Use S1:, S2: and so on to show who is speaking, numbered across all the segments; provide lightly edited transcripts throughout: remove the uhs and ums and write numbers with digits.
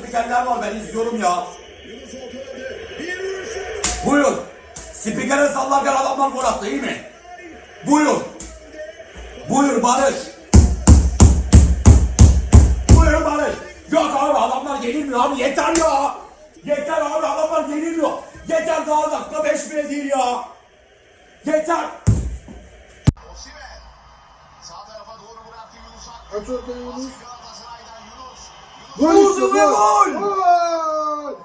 S1: spikerler var, ben izliyorum ya. Buyur. Spikere sallarken adamlar gol attı, iyi mi? Buyur. Buyur Barış. Buyur Barış. Yok abi, adamlar yenilmiyor abi, yeter ya. Yeter abi, adamlar yenilmiyor. Yeter, daha dakika 5 bile değil ya. Yeter.
S2: Aç ortaya Yunus.
S1: Vurdu ve gol.
S2: Gol.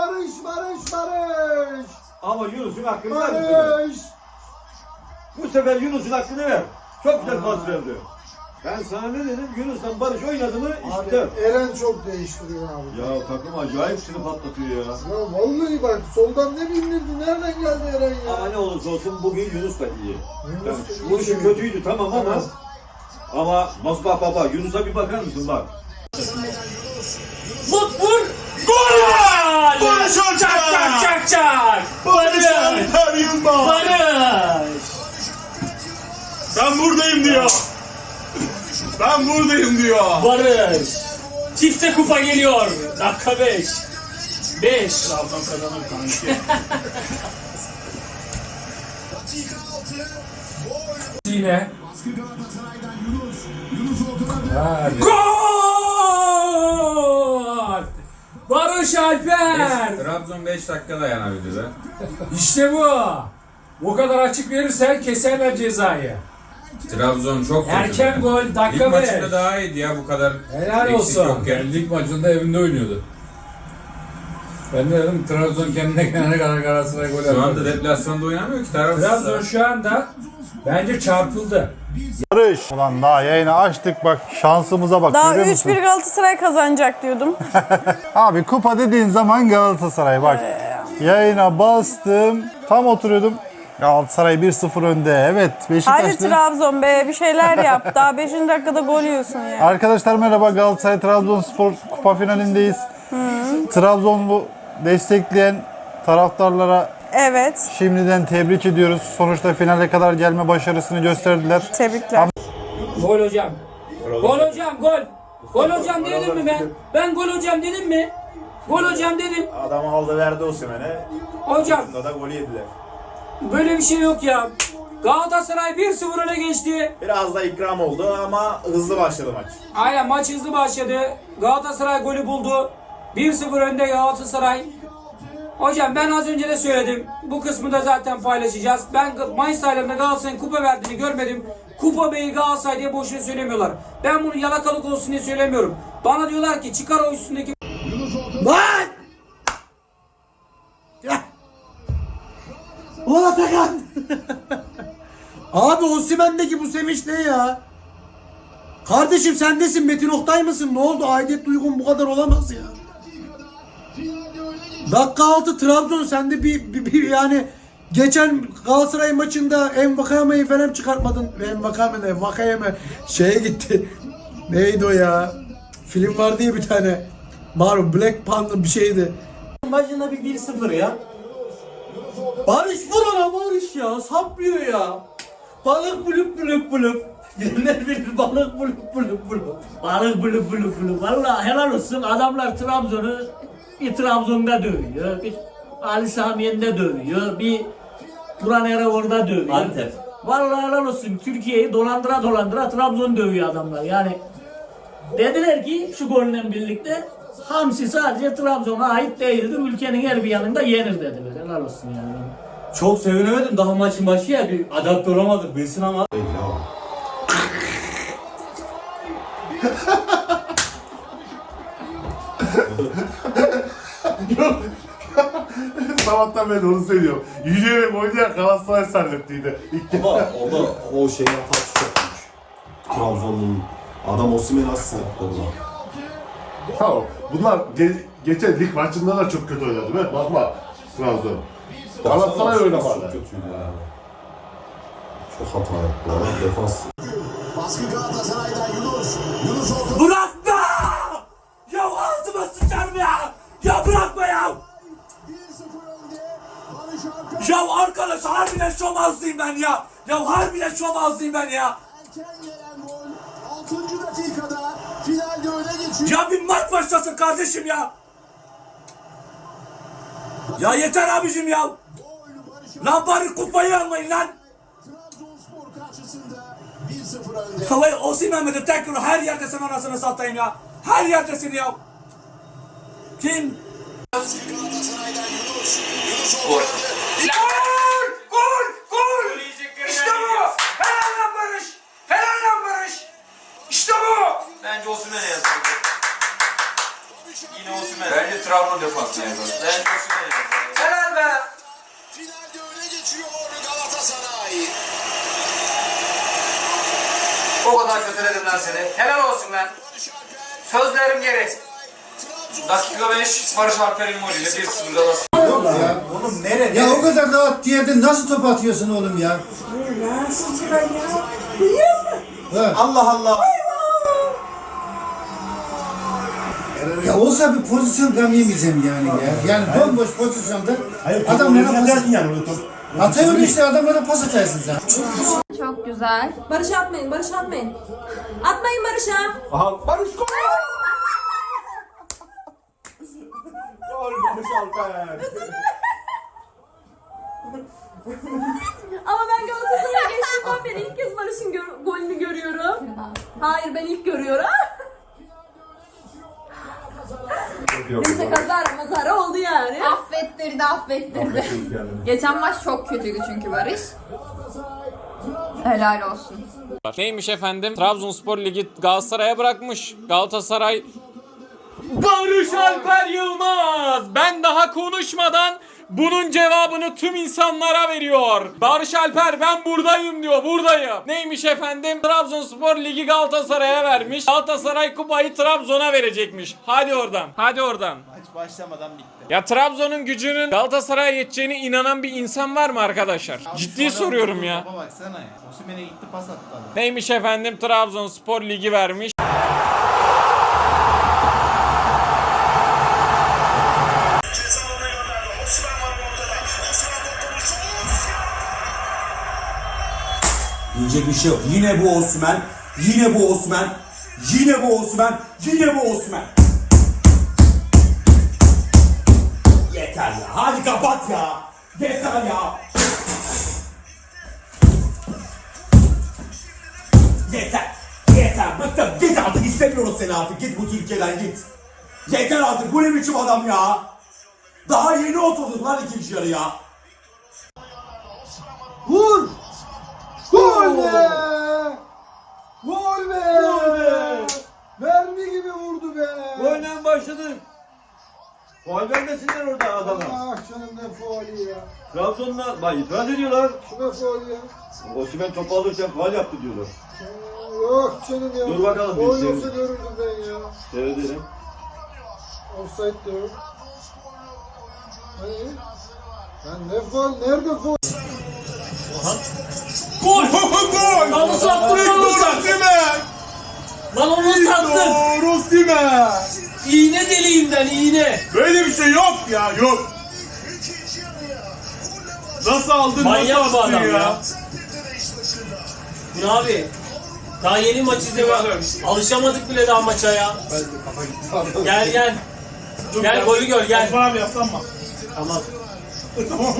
S2: Barış.
S3: Ama Yunus'un hakkını ver.
S2: Barış.
S3: Bu sefer Yunus'un hakkını ver. Çok güzel pas verdi. Ben sana ne dedim? Yunus'tan Barış oynadı mı işte.
S2: Abi Eren çok değiştiriyor abi.
S3: Ya takım acayip seni patlatıyor ya.
S2: Ya vallahi bak, soldan ne bindirdi? Nereden geldi Eren ya?
S3: Ama ne olursa olsun bugün Yunus da iyi.
S2: Yunus
S3: Yani,
S2: da iyi.
S3: bu işi kötüydü tamam ama.
S2: Evet.
S3: Ama nasıl bak Yunus'a bir bakar mısın bak.
S4: Vur! Gol!
S1: Barış Alper!
S4: Çak!
S1: Barış Alper Yılmaz!
S4: Barış!
S1: Ben buradayım diyor. Ben buradayım diyor.
S4: Barış! Çifte kupa geliyor. Dakika 5. 5.
S1: Trabzon kazanır kanki.
S4: Yine. Gol! Barış Alper!
S5: Trabzon 5 dakika dayanabildi be.
S4: İşte bu. Bu kadar açık verirsen keserler cezayı.
S5: Trabzon çok kötü.
S4: Erken
S5: be.
S4: gol, dakika
S5: Lig
S4: beş.
S5: maçında daha iyiydi ya, bu kadar
S4: Helal
S5: eksik
S4: olsun.
S5: yokken.
S6: Lig maçında evinde oynuyordu. Ben de dedim Trabzon kendine gelene kadar Galatasaray gol
S5: Şu anda
S6: atmadı.
S5: deplasmanda oynamıyor ki
S4: Trabzon
S5: tarafsız.
S4: şu anda bence çarpıldı.
S7: Barış. Ulan daha yayını açtık bak, şansımıza bak,
S8: Daha
S7: görüyor musun?
S8: 3-1 Galatasaray kazanacak diyordum.
S7: Abi kupa dediğin zaman Galatasaray bak. Yayına bastım, tam oturuyordum. Galatasaray 1-0 önde. Evet,
S8: Hadi
S7: Beşiktaşlı.
S8: Trabzon be, bir şeyler yap. Daha 5. dakikada gol yiyorsun ya.
S7: Arkadaşlar merhaba, Galatasaray Trabzonspor kupa finalindeyiz. Trabzon'u destekleyen taraftarlara
S8: Evet,
S7: şimdiden tebrik ediyoruz. Sonuçta finale kadar gelme başarısını gösterdiler.
S8: tebrikler.
S4: Gol hocam. Gol hocam, gol. Gol hocam dedim mi ben? Ben gol hocam dedim mi? Gol hocam dedim.
S9: Adam aldı verdi Osimhen'e.
S4: Hocam
S9: Bunda da golü yediler.
S4: böyle bir şey yok ya. Galatasaray 1-0 öne geçti.
S9: Biraz da ikram oldu ama hızlı başladı maç.
S4: Aynen, maç hızlı başladı. Galatasaray golü buldu. 1-0 önde Galatasaray. Hocam ben az önce de söyledim. Bu kısmı da zaten paylaşacağız. Ben Mayıs aylarında Galatasaray'ın kupa verdiğini görmedim. Kupa Bey'i Galatasaray diye boşuna söylemiyorlar. Ben bunu yalakalık olsun diye söylemiyorum. Bana diyorlar ki çıkar o üstündeki...
S1: Lan! Ya! Ulan Atakan! Abi Osimhen'deki bu sevinç ne ya? Kardeşim sen nesin? Metin Oktay mısın? Ne oldu? Aidiyet duygun bu kadar olamaz ya. Dakika 6 Trabzon, sende bir yani geçen Galatasaray maçında Envakame'yi falan çıkartmadın. Envakame şeye gitti. Neydi o ya? Film vardı ya bir tane. Malum Black Panther bir şeydi. Maçında bir 1-0 ya. Barış vur ona, Barış ya. Saplıyor ya. Balık bulup bulup bulup. Bilenler bilir, balık bulup bulup bulup.
S4: Balık bulup bulup bulup. Valla helal olsun, adamlar Trabzon'u bir Trabzon'da dövüyor. Bir Ali Samiyen'de dövüyor. Bir Turan orada dövüyor.
S1: Antep.
S4: Vallahi helal olsun, Türkiye'yi dolandıra Trabzon dövüyor adamlar. Yani dediler ki şu golle birlikte hamsi sadece Trabzon'a ait değildir. Ülkenin her bir yanında yenir dediler. Helal olsun yani.
S1: Çok sevinemedim, daha maçın başı ya, bir adapte olamadık bilsin ama.
S2: Sabahtan beri onu söylüyorum. Yürüyerek oynayan Galatasaray zannettiydi.
S10: Ama o da o şeyin hatası çok büyük. Trabzon'un adam Osimhen'i nasıl sırtladı lan?
S2: Ya bunlar geçen lig maçında da çok kötü oynadı değil mi? Bakma Trabzon. Galatasaray
S10: Çok
S2: oynamadı.
S10: kötüydü yani. Çok hata yaptı ya. Defans.
S1: Bırakma! Ya ağzıma sıçarım ya! Ya bırakma ya! Ya arkadaş harbiden şom ağzıyım ben ya! Ya harbiden şom ağzıyım ben ya! Ya bir maç başlasın kardeşim ya!
S3: Ya yeter abicim ya. Lan bari kupayı almayın lan. Vallahi Osimhen'e de tekrar her yerdesin anasını satayım ya. Her yerdesin ya. Kim? Gol! İşte bu! Helal lan Barış! Helal lan Barış! İşte bu!
S11: Bence Osimhen'e yazıldı. Yine Osimhen'e. Bence Trabzon defansına yazıldı. Bence Osimhen'e yazıldı.
S3: Helal be!
S12: Finalde öne geçiyor Galatasaray.
S11: O kadar kötüledim lan seni. Helal olsun lan. Sözlerim geri. Dakika 5 Barış Alper'in golüyle 1-0 Galatasaray.
S3: Oğlum nereye?
S1: Ya o kadar rahat yerde nasıl top atıyorsun oğlum ya?
S3: Allah Allah!
S1: Ya olsa bir pozisyon ben yemeyeceğim yani ya. Yani bomboş pozisyonda adamlara pas atıyorsun işte adamlara pas atarsın sen.
S8: Çok güzel. Barış atmayın, Barış atmayın. Atmayın Barış'a.
S3: Aha Barış gol! Gol Barış Alper!
S8: Ama ben Galatasaray'a geçtiğimden beri ilk kez Barış'ın golünü görüyorum. Hayır, ben ilk görüyorum. Neyse kazara oldu yani.
S13: Affettirdi. Geçen maç çok kötüydü çünkü Barış. Helal olsun.
S4: Neymiş efendim? Trabzonspor Ligi Galatasaray'a bırakmış. Galatasaray Barış Alper Yılmaz. Ben daha konuşmadan bunun cevabını tüm insanlara veriyor. Barış Alper ben buradayım diyor. Buradayım. Neymiş efendim? Trabzonspor Ligi Galatasaray'a vermiş. Galatasaray kupayı Trabzon'a verecekmiş. Hadi oradan. Hadi oradan.
S9: Maç başlamadan bitti.
S4: Ya Trabzon'un gücünün Galatasaray'a yeteceğine inanan bir insan var mı arkadaşlar? Ciddi soruyorum ya.
S9: Baba baksana ya. Osimhen'e gitti pas attı adam.
S4: Neymiş efendim? Trabzonspor Ligi vermiş.
S3: Diyecek bir şey yok. Yine bu Osimhen. Yine bu Osimhen. Yine bu Osimhen. Yine bu Osimhen. Yeter ya. Hadi kapat ya. Yeter ya. Yeter. Yeter. Bıktım. Git artık. İstemiyoruz seni artık. Git bu Türkiye'den git. Yeter artık. Bu ne biçim adam ya. Daha yeni oturduk lan ikinci yarı ya.
S1: Vur! Gol be! Gol be! Mermi gibi vurdu be!
S3: Golle başladık. Faul vermesinler orada adama.
S1: Ah canım ne faali ya.
S3: Trabzon'la bak itiraz ediyorlar.
S1: Kime faali ya?
S3: Osimhen topu alırken faul yaptı diyorlar.
S1: Yok canım ya.
S3: Dur bakalım, bir
S1: Gol
S3: şey-
S1: olsa görürdüm ben ya.
S3: Seyredelim.
S1: Offside diyor. Hani? Ben ne faal? Nerede faal?
S3: Gol! Gol! Lan nasıl attın? Lan onu nasıl attın?
S1: Osimhen!
S3: İğne deliğinden iğne.
S2: Böyle bir şey yok ya, yok. Nasıl aldın,
S3: Manyak
S2: nasıl
S3: bu
S2: attın
S3: adam ya. Bu ne abi? Daha yeni maç izliyoruz. Alışamadık bile daha maça ya. Gel gel. Gel golü gör gel.
S2: Osman abi yaslanma.
S3: Tamam.
S2: Tamam.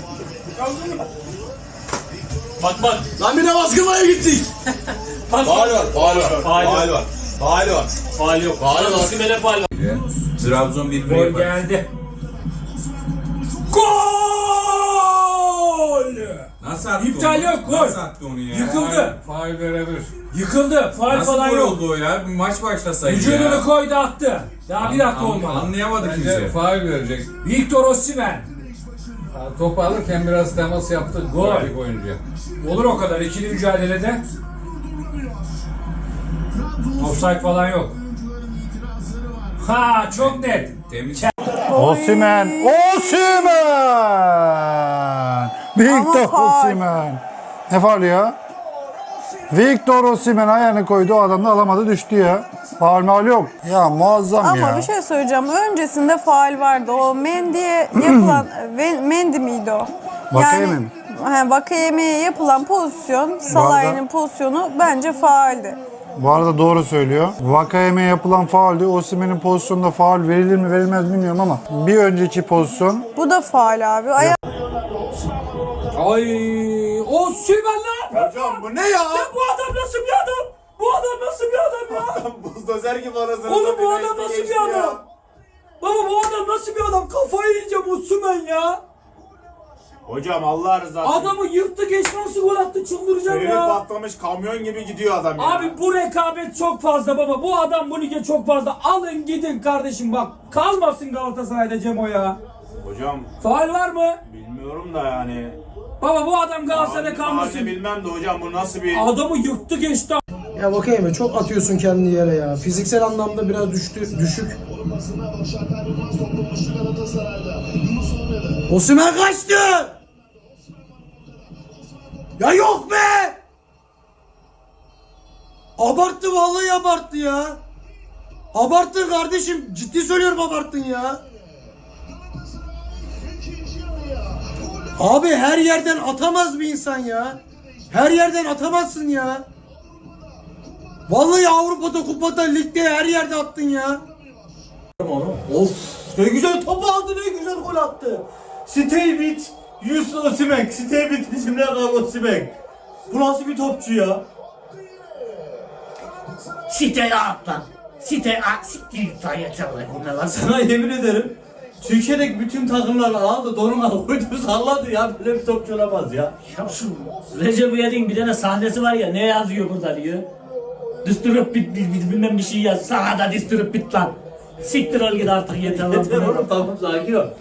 S3: Bak bak. Lan bir de baskılmaya gittik. Bak.
S10: Faul var.
S3: Faul var.
S10: Faul var.
S3: Faul yok. Faul var. Osimhen'e faul var.
S5: Trabzon bir birey var.
S3: geldi. Gol!
S5: Nasıl attı
S3: İptal
S5: onu?
S3: yok, gol.
S5: Nasıl attı onu ya?
S3: Yıkıldı.
S6: Faul verebilir.
S3: Yıkıldı. Faul
S5: Nasıl
S3: falan
S5: gol
S3: yok.
S5: oldu o ya? Bir maç başlasaydı
S3: Vücudunu
S5: ya.
S3: koydu attı. Daha bir dakika olmadı.
S5: Anlayamadı
S6: Bence
S5: kimse.
S6: faul verecek.
S3: Victor Osimhen.
S6: Ya, topu alırken biraz temas yaptı.
S3: Gol.
S6: Rakip oyuncuya.
S3: Olur o kadar ikili mücadelede. Offside falan yok. Ha çok net.
S5: Temiz.
S7: Osimhen! Victor
S8: faul.
S7: Osimhen! Ne faul ya? Victor Osimhen ayağını koydu, o adam da alamadı, düştü ya. Faul maul yok. Ya muazzam
S8: Ama
S7: ya.
S8: bir şey söyleyeceğim. Öncesinde faul vardı. O Mendy'ye yapılan... Mendy miydi o?
S7: Vakayeme mi?
S8: Vakayeme'ye yapılan pozisyon, Salah'ın pozisyonu bence fauldü.
S7: Bu arada doğru söylüyor. Vakayeme yapılan fauldü. Osimhen'in pozisyonunda faul verilir mi verilmez mi bilmiyorum ama bir önceki pozisyon.
S8: Bu da faul abi.
S4: Ay o Sümen lan!
S3: Hocam bu ne ya?
S4: Ya bu adam nasıl bir adam? Bu adam nasıl bir adam ya?
S3: Buzdozer gibi arasını.
S4: Oğlum bu adam nasıl bir adam? Baba bu adam nasıl bir adam? Kafayı yiyeceğim o Sümen ya.
S3: Hocam Allah rızası için.
S4: Adamı yıktı geçti nasıl gol attı çıldıracağım
S3: Freni
S4: ya.
S3: patlamış kamyon gibi gidiyor adam ya.
S4: Abi bu rekabet çok fazla baba. Bu adam bu lige çok fazla. Alın gidin kardeşim bak. Kalmasın Galatasaray'da Cemo ya.
S3: Hocam
S4: Faul var mı?
S3: bilmiyorum da yani.
S4: Baba bu adam Galatasaray'da
S3: Abi,
S4: kalmasın.
S3: bilmem de hocam bu nasıl bir...
S4: Adamı yıktı geçti.
S1: Ya Vakayeme çok atıyorsun kendini yere ya. Fiziksel anlamda biraz düşük. Osimhen kaçtı. Ya yok be. Abarttı vallahi abarttı ya. Abarttın kardeşim. Ciddi söylüyorum abarttın ya. Abi her yerden atamaz bir insan ya. Her yerden atamazsın ya. Vallahi Avrupa'da, kupada, ligde her yerde attın ya.
S9: Of ne güzel topu aldı, ne güzel gol attı. Stevit, Yusuf Osimhen. Stevit bizimle kal Osimhen. Bu nasıl bir topçu ya?
S4: Site at lan. Site at. Siktir yeter lan.
S9: Sana yemin ederim Türkiye'deki bütün takımlar aldı, donuna koydu, salladı ya. Böyle bir topçu olamaz ya.
S4: Ya şu Recep İvedik'in bir tane sahnesi var ya ne yazıyor burada diyor. Düstürüp bit bilmem bir şey yaz. Sana da düstürüp bit lan. Siktir ol git artık yeter lan.
S9: Yeter oğlum, tamam sakin ol.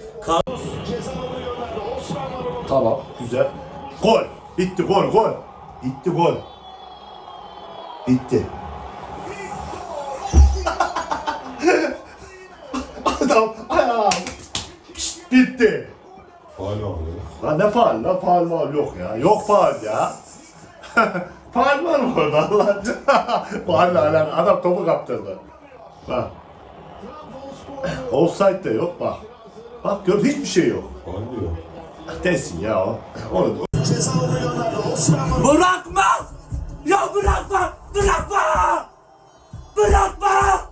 S2: Tamam, güzel. Gol. Bitti gol. Bitti gol. Bitti. Adam ayağım. Bitti.
S10: Faul alıyor.
S2: Lan ne faul lan? Faul var yok ya. Yok faul ya. Faul var mı orada Allah aşkına? Faulle alakalı. Adam topu kaptırdı. Bak. Offside de yok bak. Bak gör hiçbir şey yok.
S10: Faul diyor.
S2: Desin ya o. Onu
S4: Bırakma! Ya bırakma! Bırakma! Bırakma!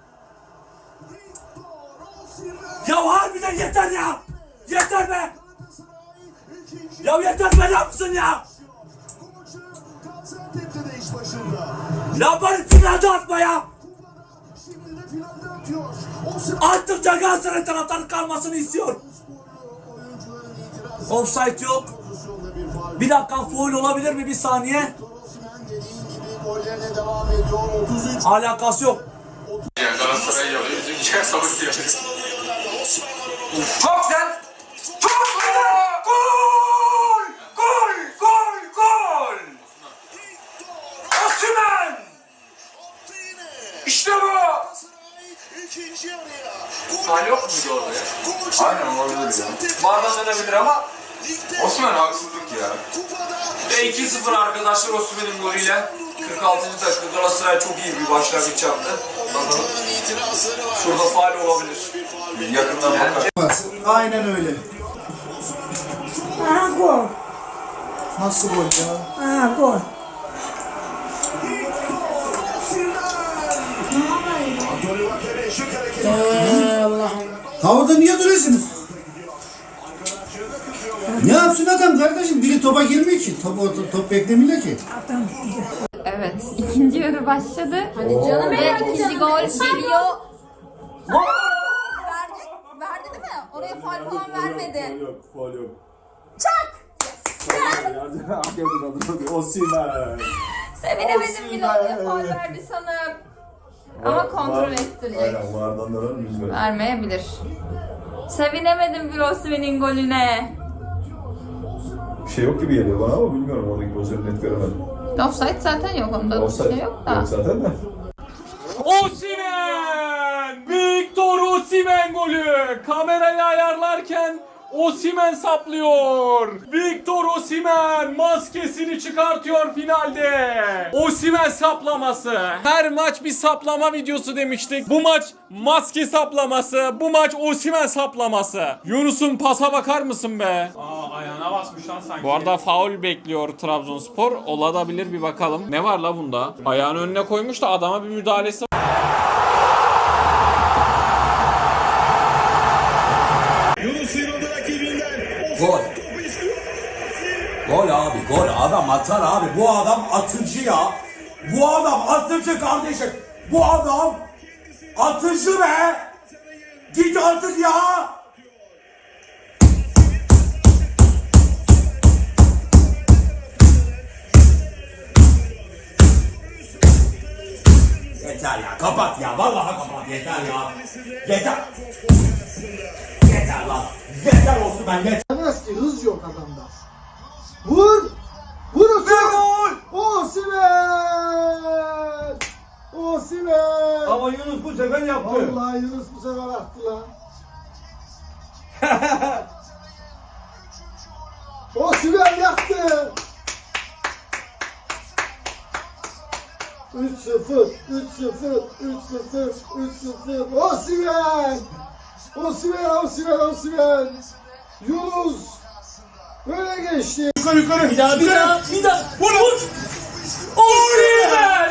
S4: Ya harbiden yeter ya! Yeter be! Ya yeter be ne yapsın ya? Ya bari finalde atma ya! Artık Galatasaray taraftarı kalmasını istiyor. Offside yok. Bir dakika faul olabilir mi bir saniye? Alakası yok.
S11: Galatasaray yapıyor. Bizimkiler savaşıyor. Çok güzel. Çok güzel. Gol! Gol! Osimhen! İşte bu! Faul yok muydu orada ya? Aynen olabilir ya. Bardan dönebilir ama Osimhen haksızlık ya. Ve 2-0 arkadaşlar Osimhen'in golüyle 46. dakika Galatasaray çok iyi bir başlangıç yaptı. Bakalım. Şurada faul olabilir. Yakından bakar.
S1: Aynen öyle.
S8: Gol.
S1: Nasıl gol ya?
S8: Gol.
S1: Havada niye duruyorsunuz? Ne yapsın adam kardeşim? Biri topa girmiyor ki. Top beklemiyor ki.
S13: Evet, ikinci yarı başladı.
S8: Hadi canım
S13: Ve
S8: benim.
S13: ikinci gol geliyor. Verdi değil mi? Oraya faul falan vermedi.
S3: Faul yok.
S13: Çak!
S3: Osimhen.
S13: Sevinemedim bile oraya faul verdi sanırım. Ama kontrol ettirecek.
S10: Aynen vardan da vermiş.
S13: Vermeyebilir. Sevinemedim bir Osimhen'in golüne.
S10: Bir şey yok gibi geliyor bana ama bilmiyorum, oradaki pozisyonu net göremedim.
S13: Offside zaten yok, onda bir şey yok da.
S10: Yok zaten de.
S4: Osimhen! Victor Osimhen golü! Kamerayı ayarlarken
S14: Osimhen saplıyor. Victor Osimhen maskesini çıkartıyor finalde. Osimhen saplaması. Her maç bir saplama videosu demiştik. Bu maç maske saplaması. Bu maç Osimhen saplaması. Yunus'un pasa bakar mısın be?
S5: Ayağına basmış lan sanki.
S14: Bu arada faul bekliyor Trabzonspor. Olabilir, bir bakalım. Ne var la bunda? Ayağını önüne koymuş da adama bir müdahalesi var.
S3: Gol. Gol abi, gol. Adam atar abi. Bu adam atıcı ya. Bu adam atıcı kardeşim. Bu adam atıcı be. Git artık ya. Yeter ya, kapat ya. Vallahi kapat, yeter ya. Yeter. Yeter lan. Yeter olsun ben yeter.
S1: Demez ki hız yok adamda. Vur! Vur Osimhen! Osimhen! Osimhen!
S9: Ama Yunus bu sefer yaptı.
S1: Vallahi Yunus bu sefer attı lan. Osimhen yaktı! 3-0, 3-0, 3-0, 3-0. Osimhen! Osimhen, Osimhen, Osimhen! Yunus! Böyle geçti.
S9: Yukarı yukarı.
S14: Bir daha. Vur! Osimhen!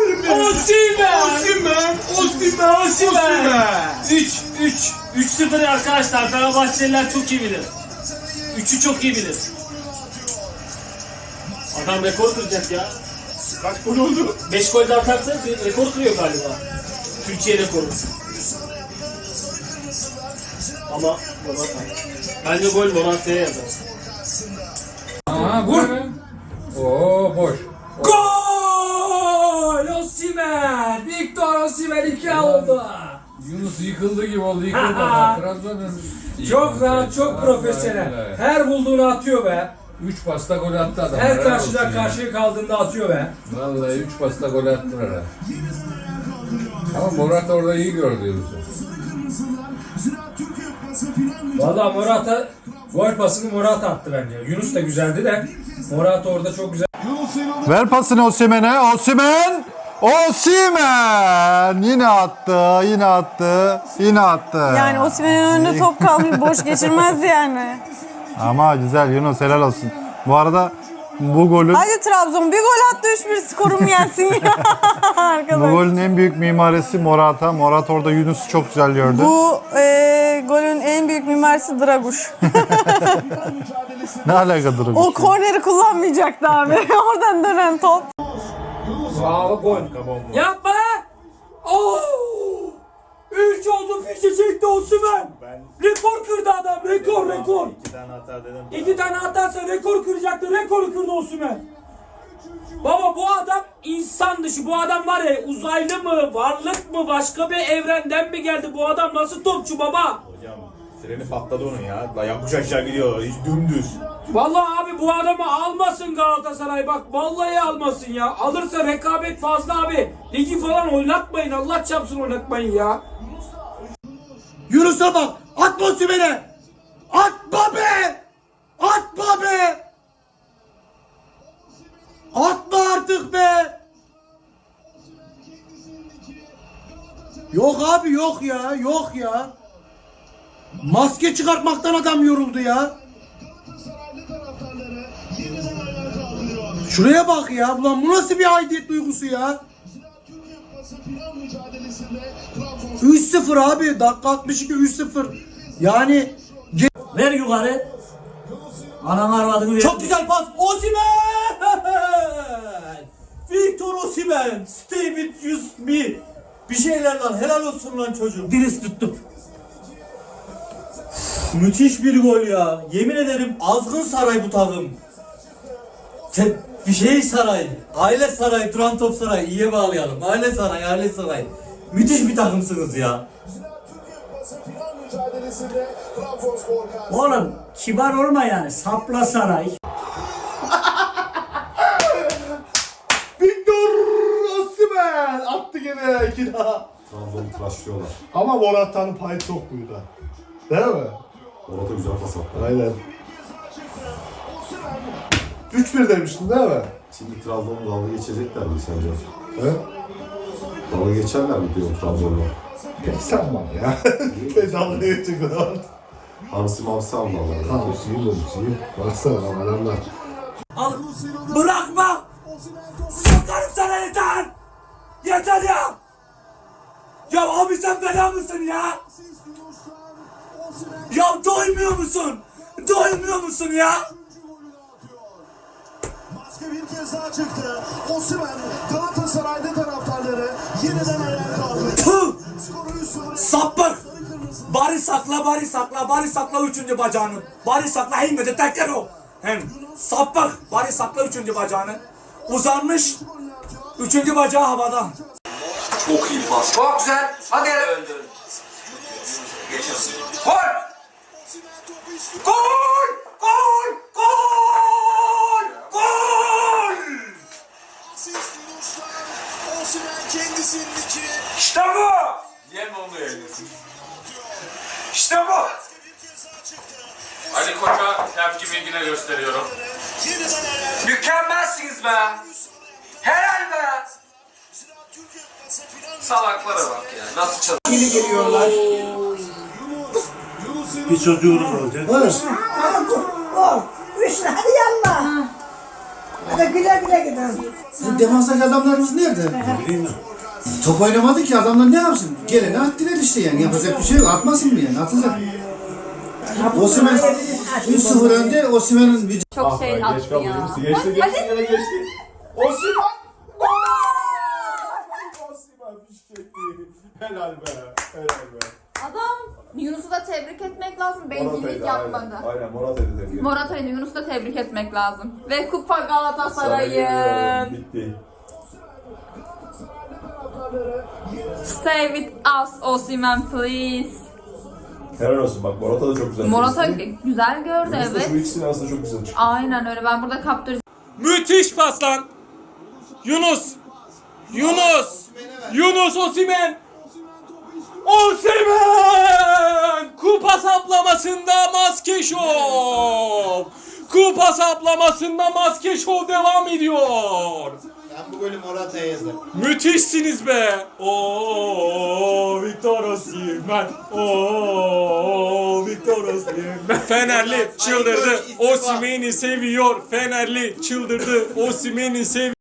S14: Osimhen!
S9: 3-0 arkadaşlar. Fenerbahçeliler çok iyi bilir. 3'ü çok iyi bilir. Adam rekor kıracak ya.
S2: Kaç gol oldu?
S9: 5 gol de atarsa rekor kırıyor galiba. Türkiye rekoru. Ama Morata. Bence gol Morata'ya yazar.
S6: Vur. Oo boş.
S4: Gol! Osimhen! Victor Osimhen 2 oldu.
S6: Yunus yıkıldı gibi oldu. Trabzon'un
S4: Çok rahat, çok profesyonel. Her bulduğunu atıyor be.
S6: 3 pasta gol attı adam.
S4: Her karşıdan karşıya kaldığında atıyor be.
S6: Vallahi 3 pasta gol attılar ha. Ama Morata orada iyi gördü Yunus'u.
S4: Valla Morata gol pasını Morata attı bence. Yunus da güzeldi de Morata orada çok güzel.
S7: Ver pasını Osimhen'e. Osimhen! Osimhen! Yine attı, yine attı, yine attı.
S13: Yani Osimhen'in önünde top kalmış boş geçirmezdi yani.
S7: Ama güzel Yunus, helal olsun. Bu arada bu golün
S13: Hadi Trabzon bir gol attı 3-1 skorum gelsin ya.
S7: bu golün en büyük mimarisi Morata. Morata orada Yunus'u çok güzel gördü.
S13: Bu golün en büyük mimarisi Draguş.
S7: Ne alakadır
S13: O korneri kullanmayacaktı abi. Oradan dönen top.
S4: Bravo gol. Yapma! Oo! 3 oldu, fişi çekti Osimhen. Rekor kırdı adam, rekor.
S9: 2 tane atar dedim.
S4: 2 tane atarsa rekor kıracaktı, rekoru kırdı Osimhen. Baba bu adam insan dışı, bu adam var ya uzaylı mı, varlık mı, başka bir evrenden mi geldi, bu adam nasıl topçu baba?
S2: Hocam freni patladı onun ya. La yokuş aşağı gidiyor. Hiç dümdüz.
S4: Vallahi abi bu adamı almasın Galatasaray, bak vallahi almasın ya. Alırsa rekabet fazla abi. Ligi falan oynatmayın, Allah çarpsın oynatmayın ya.
S1: Yunus'a bak! Atma Osimhen'e! Atma be! Atma be! Atma artık be! Yok abi yok ya. Maske çıkartmaktan adam yoruldu ya. Şuraya bak ya. Ulan bu nasıl bir aidiyet duygusu ya? 3-0 abi. Dakika 62 3-0. Yani
S9: Ver yukarı. Anam arvadını ver. Çok güzel pas. Osimhen! Victor Osimhen. Stay with me. Bir şeyler lan. Helal olsun lan çocuğum. Diriz tuttum. Müthiş bir gol ya. Yemin ederim azgın saray bu takım. Bir şey saray. Aile saray. Duran top saray. İyiye bağlayalım. Aile saray. Müthiş bir takımsınız ya. Oğlum kibar olma yani. Sapla saray.
S2: Victor Osimhen attı gene 2 daha.
S10: Trabzon'u tıraşlıyorlar.
S2: Ama Morata'nın payı çok buydu. Değil mi?
S10: Morata güzel pas attı.
S2: Aynen. 3-1 demiştin değil mi?
S10: Şimdi Trabzon'u dalga geçecekler mi sence?
S2: He?
S10: Dalga geçerler mi diyor Trabzon'la?
S2: Pek sanmam ya. Dalga geçecekler.
S10: Hamsi almalar.
S2: Hamsiyi. Baksana adamlar.
S3: Al. Bırakma. Sokarım sana yeter. Yeter ya. Ya abi sen bela mısın ya? Ya doymuyor musun? Doymuyor musun ya?
S12: Maske bir kez daha çıktı. Osimhen Galatasaray'da taraftarları yeniden ayağa kaldı.
S3: Tüh! Sapık! Bari sakla üçüncü bacağını. Bari sakla himmet tekker o. Hem sapık! Bari sakla üçüncü bacağını. Uzanmış. Üçüncü bacağı havada.
S11: Çok iyi pas. Çok güzel. Hadi. Geçiyorsun. Gol! Gol! Gol! Gol! Gol!
S12: Osimhen kendisindeki
S11: İşte bu! Yeme onu yayınlasın. İşte bu! Ali Koç'a tepki bilgine gösteriyorum. Mükemmelsiniz be! Helal be! Salaklara bak ya. Nasıl çalıyor?
S3: Yeni geliyorlar.
S2: Bir çocuğunuz olacak.
S15: Hadi yallah. Hadi güle güle gidelim.
S1: Bu defanstaki adamlarımız nerede? Top oynamadı ki adamlar ne yapsın? Gelene attılar işte yani. Yapacak bir şey yok. Atmasın mı yani? Atacak. Osimhen 3-0 önde. Osimhen'in bir...
S13: Çok şey attı ya.
S2: Geçti. Osimhen! Osimhen fişekti. Helal be. Helal be.
S13: Adam Yunus'u da tebrik etmek lazım. Bencillik yapmadı.
S2: Aynen Morata'yı tebrik.
S13: Morata'yı Yunus'u da tebrik etmek lazım. Ve kupa Galatasaray'ın.
S2: Bitti.
S13: Stay with us Osimhen please.
S2: Helal olsun bak Morata da çok güzel.
S13: Morata güzel gördü
S2: Şu
S13: evet.
S2: ikisinin arasında çok güzel çıktı.
S13: Aynen öyle. Ben burada kaptıracağım.
S14: Müthiş pas lan. Yunus Osimhen. Osimhen! Kupa saplamasında maske şov. Kupa saplamasında maske şov devam ediyor.
S1: Ben bu golü Morata'ya yazdım.
S14: Müthişsiniz be. Oo Victor Osimhen. Oo Victor Osimhen. Fenerli çıldırdı. Osimhen'i seviyor. Fenerli çıldırdı. Osimhen'i seviyor.